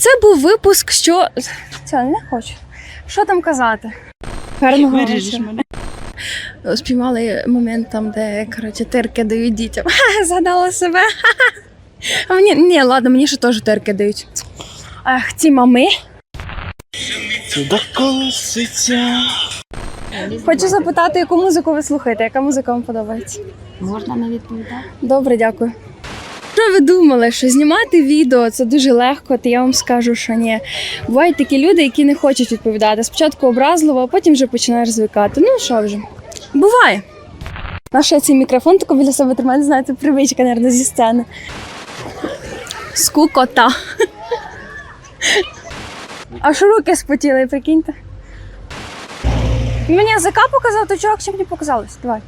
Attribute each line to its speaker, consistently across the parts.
Speaker 1: Це був випуск, що... Це не хочу. Що там казати? Гарного вечора. Спіймали момент там, де, коротше, тирки дають дітям. Згадала себе. А мені, ні, ладно, мені ще теж тирки дають. Ах, ці мами.
Speaker 2: Сюди колоситься.
Speaker 1: Хочу запитати, яку музику ви слухаєте, яка музика вам подобається?
Speaker 3: Можна не відповідати?
Speaker 1: Добре, дякую. Що ви думали, що знімати відео – це дуже легко, то я вам скажу, що ні. Бувають такі люди, які не хочуть відповідати. Спочатку образливо, а потім вже починаєш звикати. Ну, що вже. Буває. Наш цей мікрофон тако біля себе тримає, не знаю, це привичка, мабуть, зі сцени. Скукота. Аж руки спотіли, прикиньте. Мені язика показав, то чувак, що мені показалось? Давай.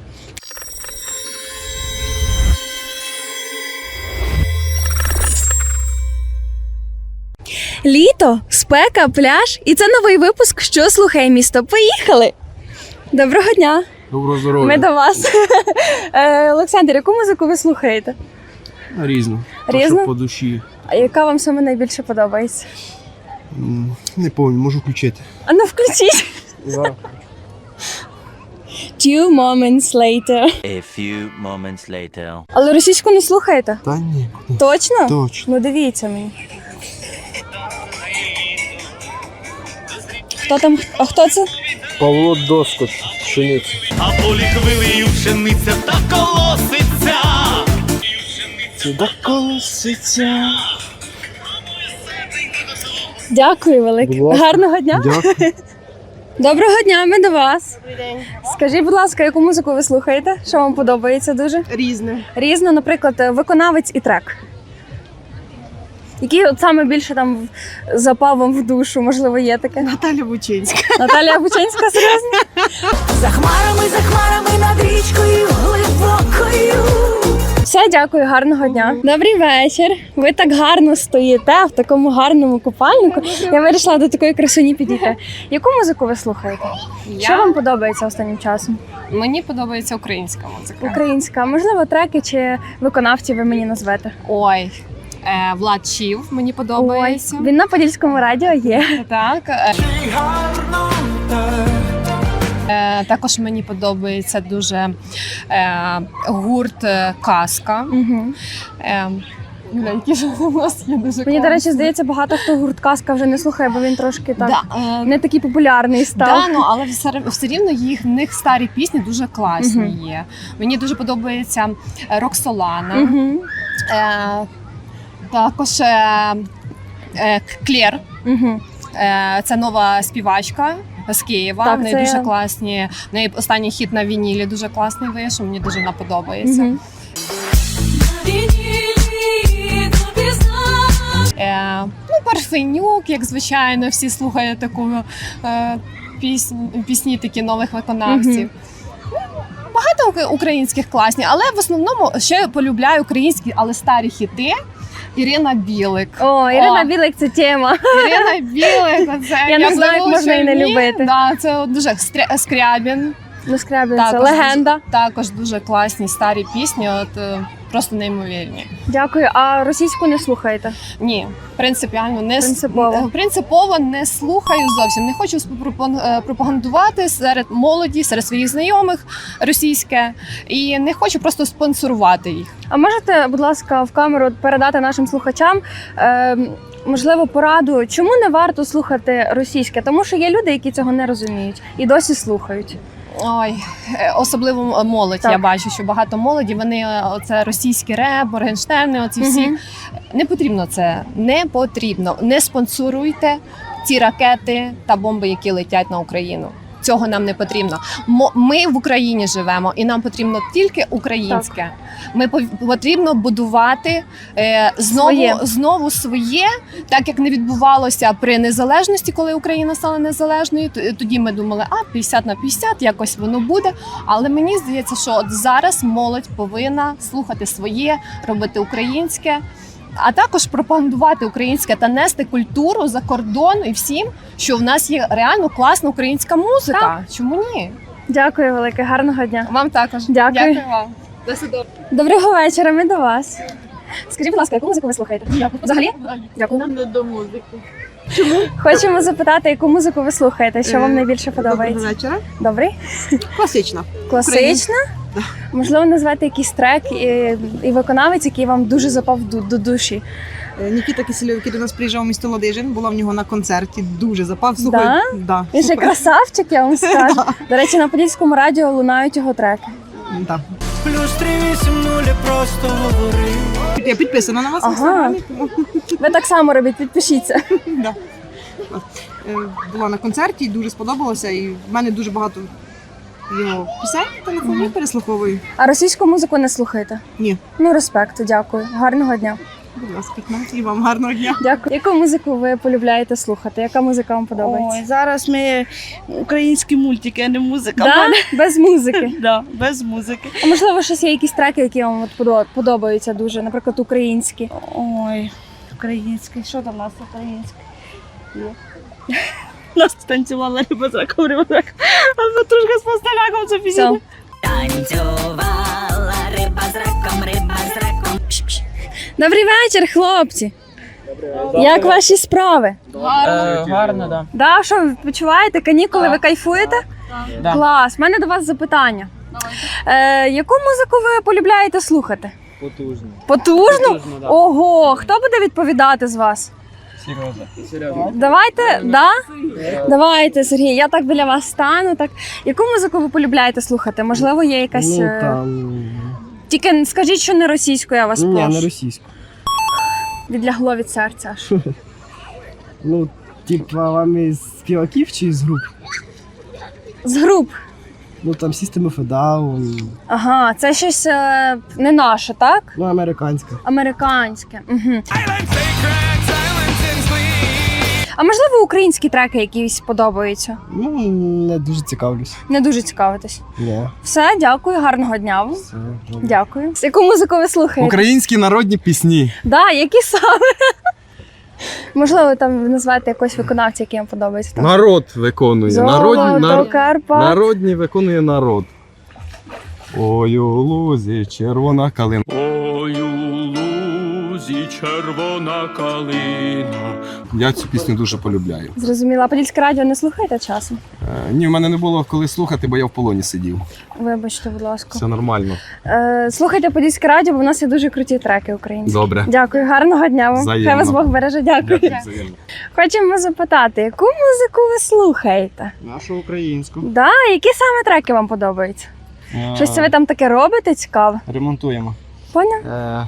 Speaker 1: Літо, спека, пляж. І це новий випуск «Що слухає місто». Поїхали! Доброго дня!
Speaker 2: Доброго здоров'я.
Speaker 1: Ми до вас. Олександр, яку музику ви слухаєте?
Speaker 2: Різно.
Speaker 1: Різно?
Speaker 2: Що по душі.
Speaker 1: А яка вам саме найбільше подобається?
Speaker 2: Не пам'ятаю, можу включити.
Speaker 1: А ну включіть!
Speaker 2: Зараз.
Speaker 1: Two moments later.
Speaker 4: A few moments later.
Speaker 1: Але російську не слухаєте?
Speaker 2: Та ні.
Speaker 1: Точно?
Speaker 2: Точно.
Speaker 1: Ну дивіться мені. Хто там? А хто це?
Speaker 2: Павло Доскоч, пшениця.
Speaker 5: А полі хвилею пшениця та колоситься.
Speaker 2: Сюди колоситься.
Speaker 1: Дякую велике.
Speaker 2: Будь ласка.
Speaker 1: Гарного дня.
Speaker 2: Дякую.
Speaker 1: Доброго дня, ми до вас. Добрий день. Скажіть, будь ласка, яку музику ви слухаєте? Що вам подобається дуже?
Speaker 3: Різне.
Speaker 1: Різно, наприклад, виконавець і трек. Який от саме більше там запав вам в душу, можливо, є таке?
Speaker 3: Наталя Бучинська.
Speaker 1: Наталія Бучинська, серйозно?
Speaker 6: За хмарами над річкою глибокою.
Speaker 1: Все, дякую, гарного дня. Добрий вечір. Ви так гарно стоїте в такому гарному купальнику. Я вирішила до такої красуні підійти. Яку музику ви слухаєте? Що вам подобається останнім часом?
Speaker 3: Мені подобається українська музика.
Speaker 1: Українська, можливо, треки чи виконавці ви мені назвете?
Speaker 3: Ой, Влад Чів мені подобається.
Speaker 1: Ой, він на Подільському радіо є.
Speaker 3: Так. Також мені подобається дуже гурт «Казка».
Speaker 1: Угу.
Speaker 3: Які ж у нас є дуже
Speaker 1: Мені, до речі,
Speaker 3: класні.
Speaker 1: здається, багато хто гурт «Казка» вже не слухає, бо він трошки так
Speaker 3: Да,
Speaker 1: не такий популярний став.
Speaker 3: Да, ну, але все рівно в них старі пісні дуже класні є. Мені дуже подобається Роксолана.
Speaker 1: Угу.
Speaker 3: Також Клєр.
Speaker 1: Угу.
Speaker 3: Це нова співачка з Києва.
Speaker 1: Так,
Speaker 3: В неї
Speaker 1: це
Speaker 3: дуже
Speaker 1: я.
Speaker 3: класні. В неї останній хіт на вінілі дуже класний вийшов. Мені дуже вона подобається.
Speaker 1: Угу.
Speaker 3: Парфенюк, як звичайно, всі слухають таку пісні такі нових виконавців. Багато українських класні, але в основному ще полюбляю українські, але старі хіти. Ірина Білик.
Speaker 1: О, Ірина Білик – це тема.
Speaker 3: Ірина Білик, це
Speaker 1: Я не знаю, як можна її не любити.
Speaker 3: Да, це дуже Скрябін.
Speaker 1: Ну, Скрябін – це
Speaker 3: Також
Speaker 1: легенда.
Speaker 3: Також дуже класні старі пісні, просто неймовірні.
Speaker 1: Дякую. А російську не слухаєте?
Speaker 3: Ні, принципіально не
Speaker 1: Принципово.
Speaker 3: не слухаю зовсім. Не хочу пропагандувати серед молоді, серед своїх знайомих російське, і не хочу просто спонсорувати їх.
Speaker 1: А можете, будь ласка, в камеру передати нашим слухачам, можливо, пораду, чому не варто слухати російське? Тому що є люди, які цього не розуміють і досі слухають.
Speaker 3: Ой, особливо молодь.
Speaker 1: Так.
Speaker 3: Я бачу, що багато молоді, вони оце російський реп, Моргенштерни, оці всі. Не потрібно це, не потрібно. Не спонсоруйте ці ракети та бомби, які летять на Україну. Цього нам не потрібно. Ми в Україні живемо, і нам потрібно тільки українське. Ми потрібно будувати знову своє, так як не відбувалося при незалежності, коли Україна стала незалежною. Тоді ми думали, 50 на 50, якось воно буде. Але мені здається, що от зараз молодь повинна слухати своє, робити українське. А також пропагандувати українське та нести культуру за кордон і всім, що в нас є реально класна українська музика.
Speaker 1: Так.
Speaker 3: Чому ні?
Speaker 1: Дякую велике, гарного дня.
Speaker 3: Вам також.
Speaker 1: Дякую.
Speaker 3: Дякую вам. До свидання.
Speaker 1: Доброго вечора, ми до вас. Скажіть, будь ласка, яку музику ви слухаєте? Взагалі? Дякую. Не до музики. Чому? Хочемо запитати, яку музику ви слухаєте, що вам найбільше подобається?
Speaker 7: Доброго вечора.
Speaker 1: Добрий?
Speaker 7: Класична.
Speaker 1: Класична?
Speaker 7: Да.
Speaker 1: Можливо, назвати якийсь трек і виконавець, який вам дуже запав до душі.
Speaker 7: Нікіта Кисельов, який до нас приїжджав у місто Ладижин, була в нього на концерті, дуже запав. Слухай, да,
Speaker 1: Він ще
Speaker 7: супер.
Speaker 1: красавчик, я вам скажу. До речі, на Подільському радіо лунають його треки.
Speaker 7: Да.
Speaker 5: Плюс 380 просто говори.
Speaker 7: Я підписана на вас в
Speaker 1: Ага.
Speaker 7: інстаграмі, тому
Speaker 1: Ви так само робіть, підпишіться.
Speaker 7: да. Була на концерті, дуже сподобалося, і в мене дуже багато його пісень в телефоні переслуховую.
Speaker 1: А російську музику не слухаєте?
Speaker 7: Ні.
Speaker 1: Ну, респект, дякую. Гарного дня.
Speaker 7: Будь ласка, і вам гарного дня.
Speaker 1: Дякую. Яку музику ви полюбляєте слухати? Яка музика вам подобається?
Speaker 8: Ой, зараз ми українські мультики, а не музика.
Speaker 1: Да? Без музики.
Speaker 8: Да, без музики.
Speaker 1: А можливо, щось є якісь треки, які вам от подобаються дуже, наприклад, українські.
Speaker 8: Ой, український. Що там у нас українське? Нас танцювала риба з раком, а петрушка з пастеляком, це
Speaker 1: Все.
Speaker 6: Танцювала риба з раком, риба з раком.
Speaker 1: Добрий вечір, хлопці. Як ваші справи?
Speaker 9: Гарно, да.
Speaker 1: Да, що ви відпочиваєте? Канікули, ви кайфуєте?
Speaker 9: Да.
Speaker 1: Клас. У мене до вас запитання. Яку музику ви полюбляєте слухати?
Speaker 9: Потужно.
Speaker 1: Потужну?
Speaker 9: Да.
Speaker 1: Ого, хто буде відповідати з вас?
Speaker 9: Серйозно.
Speaker 1: Давайте, да? Давайте, Сергій, я так біля вас стану. Так. Яку музику ви полюбляєте слухати? Можливо, є якась.
Speaker 2: Ну, там...
Speaker 1: Тільки скажіть, що не російською, я вас
Speaker 2: Ні,
Speaker 1: прошу.
Speaker 2: не російську.
Speaker 1: Відлягло від серця аж.
Speaker 2: Ну, типа, вам із співаків чи з груп?
Speaker 1: З груп.
Speaker 2: Ну, там System of a Down,
Speaker 1: Ага, це щось не наше, так?
Speaker 2: ну, американська.
Speaker 1: Американське. Угу. А можливо, українські треки якісь подобаються?
Speaker 2: Ну, не дуже цікавлюсь.
Speaker 1: Не дуже цікавитесь.
Speaker 2: Ні.
Speaker 1: Все, дякую, гарного дня вам.
Speaker 2: Все,
Speaker 1: Дякую. Яку музику ви слухаєте?
Speaker 10: Українські народні пісні.
Speaker 1: Да, які саме? Можливо, там назвати якогось виконавця, який вам подобається. Там.
Speaker 10: Народ виконує.
Speaker 1: Золото Карпат.
Speaker 10: Народні виконує народ. Ой, у лузі червона калина.
Speaker 5: Ой, у лузі червона калина.
Speaker 10: Я цю пісню дуже полюбляю.
Speaker 1: Зрозуміла. А Подільське радіо не слухаєте часом?
Speaker 10: Ні, в мене не було коли слухати, бо я в полоні сидів.
Speaker 1: Вибачте, будь ласка.
Speaker 10: Все нормально.
Speaker 1: Слухайте Подільське радіо, бо в нас є дуже круті треки українські.
Speaker 10: Добре.
Speaker 1: Дякую, гарного дня вам.
Speaker 10: Взаємно.
Speaker 1: Хай вас Бог береже. Дякую.
Speaker 10: Взаємно.
Speaker 1: Хочемо запитати, яку музику ви слухаєте?
Speaker 2: Нашу українську.
Speaker 1: Да, які саме треки вам подобаються? Щось це ви там таке робите цікаве?
Speaker 2: Ремонтуємо.
Speaker 1: Поняв?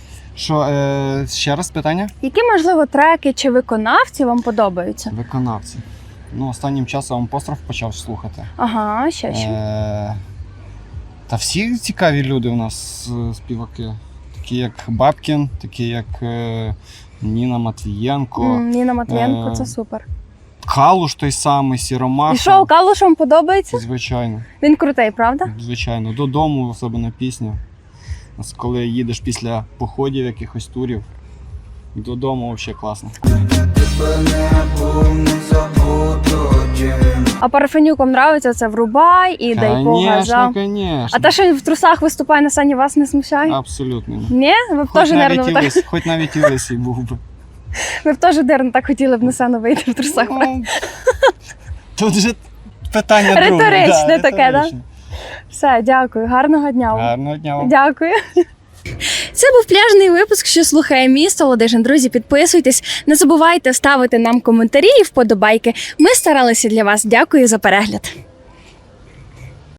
Speaker 2: Ще раз питання?
Speaker 1: Які, можливо, треки чи виконавці вам подобаються?
Speaker 2: Виконавці. Ну, останнім часом Апостроф почав слухати.
Speaker 1: Ага, ще що.
Speaker 2: Та всі цікаві люди у нас співаки. Такі як Бабкін, такі як Ніна Матвієнко,
Speaker 1: Ніна Матвієнко,
Speaker 2: е,
Speaker 1: це супер.
Speaker 2: Калуш той самий, Сіромаха.
Speaker 1: І що, Калуш вам подобається?
Speaker 2: Звичайно,
Speaker 1: Він крутий, правда?
Speaker 2: звичайно. Додому, особливо пісня. Ось коли їдеш після походів, якихось турів, додому взагалі класно.
Speaker 1: А Парафенюк вам нравиться? Це «Врубай» і «Дай по газам».
Speaker 2: Конечно.
Speaker 1: А те, що він в трусах виступає на сцені, вас не смущає?
Speaker 2: Абсолютно ні.
Speaker 1: Ні? Ви б теж, нервно, так,
Speaker 2: Хоч навіть і лисий був би.
Speaker 1: ви б теж, нервно, так хотіли б на сцену вийти в трусах.
Speaker 2: Ну, тут же питання друге.
Speaker 1: Риторичне таке, да?
Speaker 2: риторичне.
Speaker 1: Все, дякую. Гарного дня вам.
Speaker 2: Гарного дня вам.
Speaker 1: Дякую. Це був пляжний випуск, що слухає місто Ладижин. Друзі, підписуйтесь, не забувайте ставити нам коментарі і вподобайки. Ми старалися для вас. Дякую за перегляд.